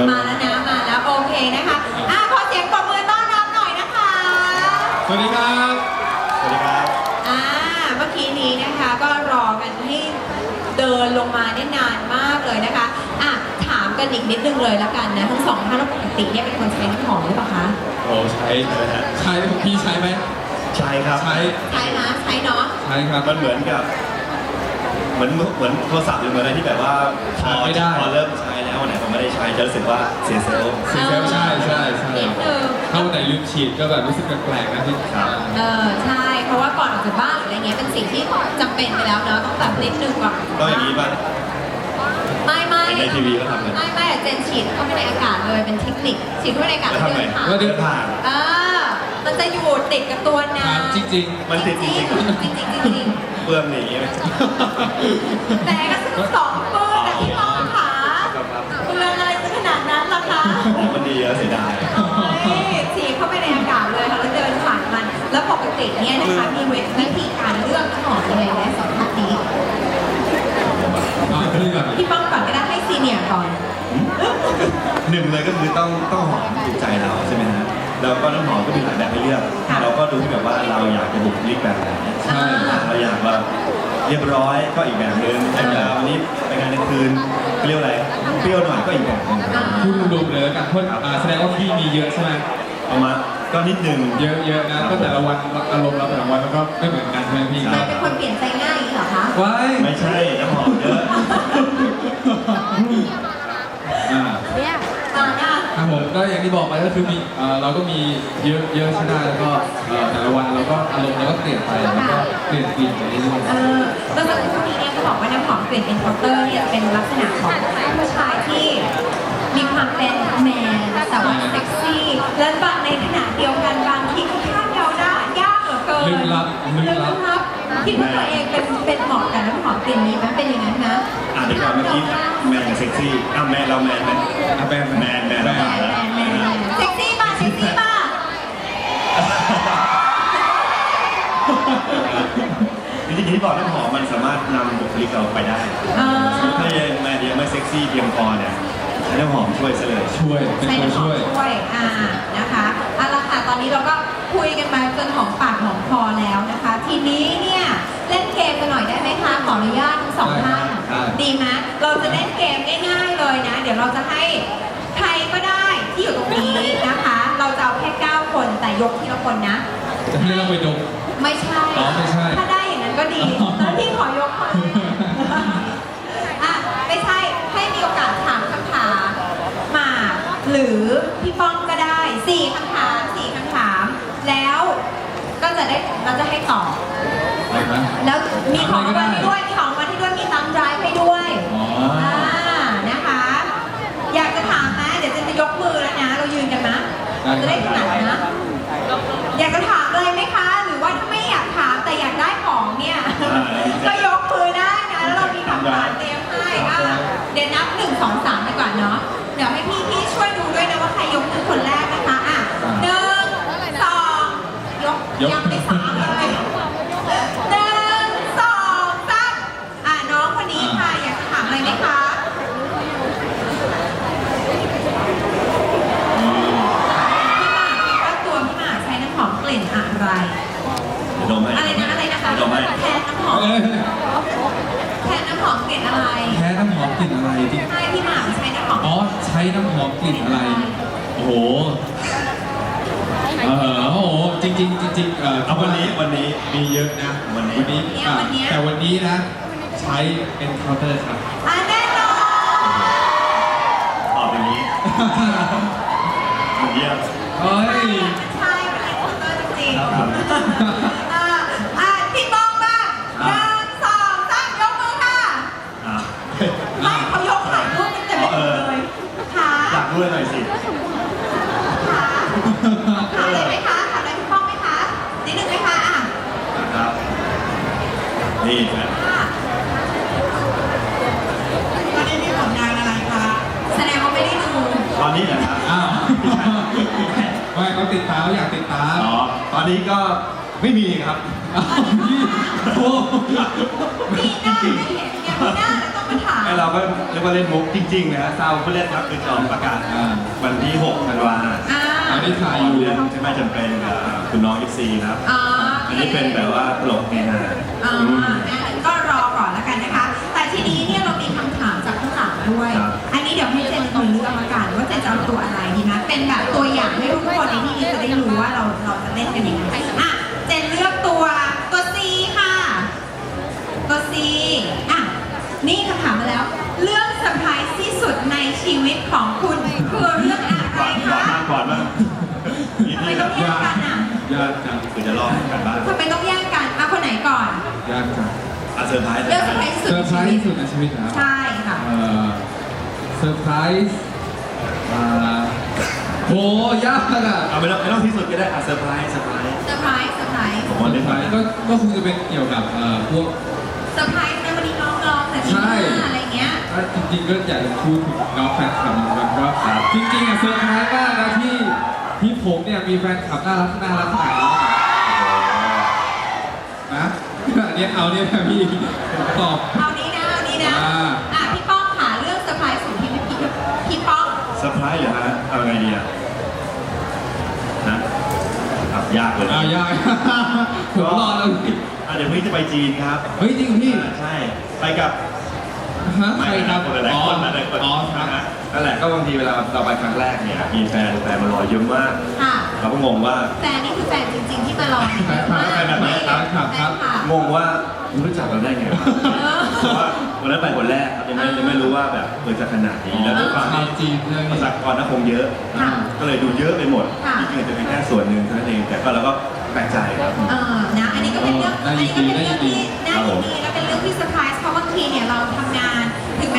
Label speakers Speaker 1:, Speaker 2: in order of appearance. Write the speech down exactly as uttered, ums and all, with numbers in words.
Speaker 1: มาแล้วนะมาแล้วโอเคนะคะอ่ะขอเสียงปรบมือต้อนรับหน่อยนะคะ
Speaker 2: สวัสดีครับสวัสดีครับ
Speaker 1: อ่าเมื่อกี้นี้นะคะก็รอกันให้เดินลงมาได้นานมากเลยนะคะอ่ะถามกันอีกนิดนึงเลยแล้วกันนะทั้งสองท่านปกติเนี่ยเป็นคนใช้น้ำหอมหรือเปล่าคะ
Speaker 2: โอ้ใช้เลยฮะใช้พี่ใช้ไหมใช้ครับใช้
Speaker 1: ใช้นะใช้เนาะ
Speaker 2: ใช้ครับมันเหมือนกับเหมือนเหมือนโทรศัพท์หรือเหมือนอะไรที่แบบว่าพอไม่ได้พอเริ่มใช้แล้วเนี่ยผมไม่ได้ใช้จะรู้สึกว่าเสียเซลล์เสียเซลล์ใช่ใช่ใช่ถ้าวันไหนลืมฉีดก็แบบรู้สึกแปลกๆนะพี่ครับ
Speaker 1: เออใช่เพราะว่าก่อนออกจากบ้านหรืออะไรเงี้ยเป็นสิ่งที่จำเป็นไปแล้วเนาะต้องแบบนิดนึงก่อน
Speaker 2: ต้องอย่างนี้ป่ะ
Speaker 1: ไม่ไม่
Speaker 2: ในทีวีก็ทำกัน
Speaker 1: ไม่ไม่เจนฉีดเข้าไปในอากาศเลยเป็นเทคนิคฉีดเข้าไปในอากาศแล้วเดินผ่าน
Speaker 2: แล้วเดินผ่าน
Speaker 1: เออมันจะอยู่ติดกับตัวน้
Speaker 2: ำจริงๆมันติดจริง
Speaker 1: ๆจริงๆจริง
Speaker 2: ๆเปื้อนอย่างนี้ไหม
Speaker 1: แต่ก็ซื้อสองเปื้อนแต่ที่มองขาเปื้อนอะไรขนาดนั้นล่ะคะ
Speaker 2: มันดีแล้วเสียดาย
Speaker 1: ฉีดเข้าไปในอากาศเลยค่ะแล้วเดินผ่านมันแล้วปกติเนี่ยนะคะมีวิธีการเลือกหอมยังไงและสองท่านนี้พี่ป้องก่อนก็ได้ให้ซีเนียร์ก่อน
Speaker 2: หนึ่งเลยก็คือต้องต้องหอมถูกใจเราใช่ไหมฮะแล้วก็น้ำหอมก็มีหลายแบบให้เลือกเราก็ดูที่แบบว่าเราอยากจะบุคลิกแบบไหนใช่เราอยากว่าเรียบร้อยก็อีกแบบนึงแต่เวลาวันนี้ไปงานกลางคืนเรียกอะไรเปรี้ยวหน่อยก็อีกแบบนึง
Speaker 3: พูดรวมๆเลยแล้วกันเพราะแสดงว่าพี่มีเยอะใช่ไหม
Speaker 2: ประมาณก็นิดนึง
Speaker 3: เยอะๆนะก็แต่ละวันอารมณ์เราแต่ละวันมันก็ไม่เหมือนกันใช่ไหมพี่
Speaker 1: เป็นคนเปลี่ยนใจง่ายเหรอคะ
Speaker 3: ว้าย
Speaker 2: ไม่ใช่น้ำหอมเยอะ
Speaker 3: อ่าครับผมก็อย่างที่บอกไปก็คือมีเราก็มีเยอะเยอะใช่ไหมแล้วก็แต่ละวันเราก็อารมณ์เราก็เปลี่ยนไปแล้วก็เปลี่ยนกลิ่นไปเรื่อย
Speaker 1: ๆเออแล้วจากที่นี้เนี่ยก็บอกว่าน้ำหอมกลิ่นเอ็นคอร์เตอร์เนี่ยเป็นลักษณะของผู้ชายที่มีความเป็นแมนแต่ว่าเซ็กซี่และบางในขณะเดียวกันบางทีก็คาดเดาได้ยากเหลือเกิน
Speaker 3: ลึกลับ
Speaker 1: ลึกลับคิดว่าตัวเองเป็นเป็นเหมาะกับน้ำหอมกลิ่นนี้ไหมเป็นอย่างนั้นนะ
Speaker 2: อ่ะเดี๋ยวก่อนเมื่อกี้แมนกับเซ็กซี่อ่ะแมนเราแมนไหมอ่ะแมนแมนแมนแล้ว
Speaker 1: เซ็กซี่ป่ะเซ็กซี่ป่ะ
Speaker 2: จริงๆที่บอกน้ำหอมมันสามารถนำบุคลิกเราไปได้ถ้ายังแมนยังไม่เซ็กซี่เพียงพอเนี่ยใช้น้ำหอมช่วยซะเลย
Speaker 3: ช่วยเป็นตัวช่วย
Speaker 1: ช่วยอ่านะคะเอาละค่ะตอนนี้เราก็คุยกันมาจนหอมปากหอมคอแล้วนะคะทีนี้เนี่ยเล่นเกมกันหน่อยได้ไหมคะขออนุญาตทั้งสองท่านดีไหมเราจะเล่นเกมง่ายๆเลยนะเดี๋ยวเราจะให้ใครก็ได้ที่อยู่ตรงนี้นะคะเราจะเอาแค่เก้าคนแต่ยกทีละคนนะ
Speaker 3: จะให้เราไปดม
Speaker 1: ไม่ใช่
Speaker 3: อ๋อไม่ใช่
Speaker 1: ถ้าได้อย่างนั้นก็ดีแล้วพี่ขอยกคนอ่ะไม่ใช่ให้มีโอกาสถามคำถามมาหรือพี่ป้องก็ได้สี่คำถามสี่คำถามแล้วก็จะได้เราจะให้ตอบแล้วมีของรางวัลให้ด้วยมีของรางวัลให้ด้วยมีตังค์ไดรฟ์ให้ด้วยอ่านะคะอยากจะถามนะเดี๋ยวจะยกมือแล้วนะเรายืนกันนะจะได้ถนัดนะอยากจะถามอะไรไหมคะหรือว่าถ้าไม่อยากถามแต่อยากได้ของเนี่ยก็ยกมือได้นะแล้วเรามีคำถามเตรียมให้อ่ะเดี๋ยวนับหนึ่งสองสามไปก่อนเนาะเดี๋ยวให้พี่พี่ช่วยดูด้วยนะว่าใครยกมือคนแรกนะคะอ่ะหนึ่งสองยกยังไม่สามเลยหนึ่งสองสามอ่ะน้องคนนี้ค่ะอยากจะถามอะไรไหมคะกลิ่นอะไรอะไรนะอะไรนะคะแทนน้ำหอมแทนน้ำหอมกลิ่นอะไร
Speaker 3: แทนน้ำหอมกลิ่นอะไรที่
Speaker 1: ใช่พี่หมากใช้น้ำหอม
Speaker 3: อ๋อใช้น้ำหอมกลิ่นอะไรโอ้โหเออโอ้โหจริงจริงจริงเออ
Speaker 2: วันนี้วันนี้
Speaker 3: มีเยอะนะ
Speaker 2: วันนี้
Speaker 3: วันนี้แต่วันนี้นะใช้เป็นเคาน์เตอร์ครับ
Speaker 1: อ่ะแน่นอน
Speaker 2: ตอบอย่างนี้เยี่ยม
Speaker 3: เฮ้ย
Speaker 1: ใช่เป็นเคาน์เตอร์จริงๆอ่ะอ่ะพี่ป้องบ้างหนึ่งสองสามยกมือค่ะไม่เขายกถ่ายรูปกันเต็มเลยค่ะ
Speaker 2: อยากด้วยหน่อยสิ
Speaker 1: ค่ะถามอะไรไหมคะถามอะไรพี่ป้องไหมคะนิดนึงไหมคะอ่ะ
Speaker 2: ครับนี่นะ
Speaker 1: ตอนนี้มีผลงานอะไรคะแสดงว่าไม่ได้ดู
Speaker 2: ตอนนี้เหรอครับ
Speaker 3: อ้าวไม่เขาติดตามเขาอยากติดตาม
Speaker 2: อ๋อตอนนี้ก็ไม่มีครับ
Speaker 3: พี่โอ้
Speaker 1: ปีหน้าไม่เห็นเนี่ยปีหน้าต้องมาถาม
Speaker 2: ให้เราก็เรียกว่าเล่นมุกจริงๆนะฮะซาวผู้เล่นครับคือจอมประกาศ
Speaker 3: อ่า
Speaker 2: วันที่หกธันวา
Speaker 1: อ่า
Speaker 3: อันนี้ถ่ายอยู่
Speaker 2: เรื่องใช่ไหมจำเป็นกับคุณน้องยิปซีนะครับ
Speaker 1: อ๋อ
Speaker 2: อันนี้เป็นแบบว่าตลกเฮฮา
Speaker 1: อ่า
Speaker 2: อืม
Speaker 1: นะก็รอก่อนแล้วกันนะคะ แต่ทีนี้เนี่ยเรามีคำถามจากข้างหลังด้วย
Speaker 2: ครับ
Speaker 1: อันนี้เดี๋ยวให้เจนเป็นคนเลือกละกันว่าเจนจะเอาตัวอะไรดีนะ เป็นแบบตัวอย่างให้ทุกคนในที่นี้จะได้รู้ว่าเราเราจะเล่นกันยังไงอ่ะเจนเลือกตัวตัว C ค่ะ ตัว C อ่ะ นี่คำถามมาแล้ว เรื่องเซอร์ไพรส์ที่สุดในชีวิตของคุณคือเรื่องอะไร
Speaker 2: ก่อนก่อน
Speaker 1: คะ
Speaker 2: มากก่อนมากนี่
Speaker 1: ทำไม
Speaker 2: ที่
Speaker 1: ต้องแยกกันอ่ะ
Speaker 3: ยากจัง
Speaker 2: คือจะลองกันบ้าง
Speaker 1: ทำไมต้องแยกกันอ่ะคนไหนก่อน
Speaker 3: ยากจัง
Speaker 2: อ่ะเซอร์ไพรส์
Speaker 1: เรื่องเซอร์ไพรส์ที่
Speaker 3: เซ
Speaker 1: สุ
Speaker 3: อ
Speaker 1: ด
Speaker 3: ร์ไพรส์ที่สุดในชีวิตนะ
Speaker 1: ใช่ค่ะ
Speaker 3: เอ่อเซอร์ไพรส์อ่าโหยากอ่ะ
Speaker 2: เอาไม่ต้องไม่ต้องที่สุดก็ได้อ่ะเซอร์ไพรส์เซอร์ไพรส์
Speaker 1: เซอร์ไพรส์เซอร์ไพรส์
Speaker 2: ผม
Speaker 3: เซอ
Speaker 2: ว่าเล่น
Speaker 3: ร์ไพร
Speaker 2: ไป
Speaker 3: ส์ก็ก็คงจะเป็นเกี่ยวกับเอ่อพวก
Speaker 1: เซอร์ไพรส์ในวันนี้น้องร้องแต่ที่
Speaker 3: ใช่
Speaker 1: หน้าอะไรเงี้ย
Speaker 3: ถ้าจริงๆก็อยากจะพูดถึงน้องแฟนคลับเหมือนกันว่าจริงๆอ่ะเซอร์ไพรส์มากนะที่ที่ผมเนี่ยมีแฟนคลับน่ารักน่ารักขนาดนี้นะอันเนี้ยเอาเนี่ยนะพี่ผมตอบ
Speaker 1: เอานี้นะเอานี้นะ
Speaker 3: อ่า
Speaker 1: อ่ะพี่ป้องหาเรื่องเซอร์ไพรส์สุดที่พี่พี่พี่ป้อง
Speaker 2: เซอร์ไพรส์เหรอฮะเอาไงดีอ่ะนะอ่ะยากเลย
Speaker 3: อ่ายาก ผมรอแล้วพี่
Speaker 2: อ่ะเดี๋ยวพรุ่งนี้จะไปจีนครับ
Speaker 3: เฮ้ยจริงเหรอพี่
Speaker 2: อ่าใช่ไปกับ
Speaker 3: ฮะใครครับ
Speaker 2: คนหลายๆคนหลายๆคน
Speaker 3: อ๋อค
Speaker 2: นะ
Speaker 3: รับ
Speaker 2: ฮะนั่นแหละก็บางทีเวลาเราไปครั้งแรกเนี่ยมีแฟนแฟนมารอเยอะมาก
Speaker 1: ค่ะ
Speaker 2: เราก็งงว่า
Speaker 1: แฟนนี่คือแฟนจริง ๆ ที่มารอเนี่ย
Speaker 3: แฟนคลับ
Speaker 2: แฟนแบบนี้ครับ
Speaker 3: ครับครับ
Speaker 1: แฟนคลับ
Speaker 2: งงว่ารู้จักเราได้ไงวะ
Speaker 1: เออ
Speaker 2: เพราะว่าวันนั้นไปคนแรกครับยังไม่ยังไม่รู้ว่าแบบเออจะขนาดนี้แล้วด้วยความ
Speaker 3: ชาว
Speaker 2: ที่
Speaker 3: จีนเลย
Speaker 2: ประชากรน่าคงเยอะ
Speaker 1: ค่ะ
Speaker 2: ก็เลยดูเยอะไปหมด
Speaker 1: ค่ะ
Speaker 2: จริงๆอาจจะเป็นแค่ส่วนหนึ่งเท่านั้นเองแต่ก็เราก็แปลกใจครับ
Speaker 1: เออนะ อันนี้ก็เป็นเรื่อง
Speaker 3: น่า
Speaker 1: อัน
Speaker 3: ยิ
Speaker 1: นี้
Speaker 3: น
Speaker 1: ก็
Speaker 3: ดี
Speaker 1: เป็นเรื่องที่
Speaker 3: น่ายินดี
Speaker 1: น่ายินดีและเป็นเรื่องที่เซอร์ไพรส์เพราะบางทีเนี่ยเราทำงาน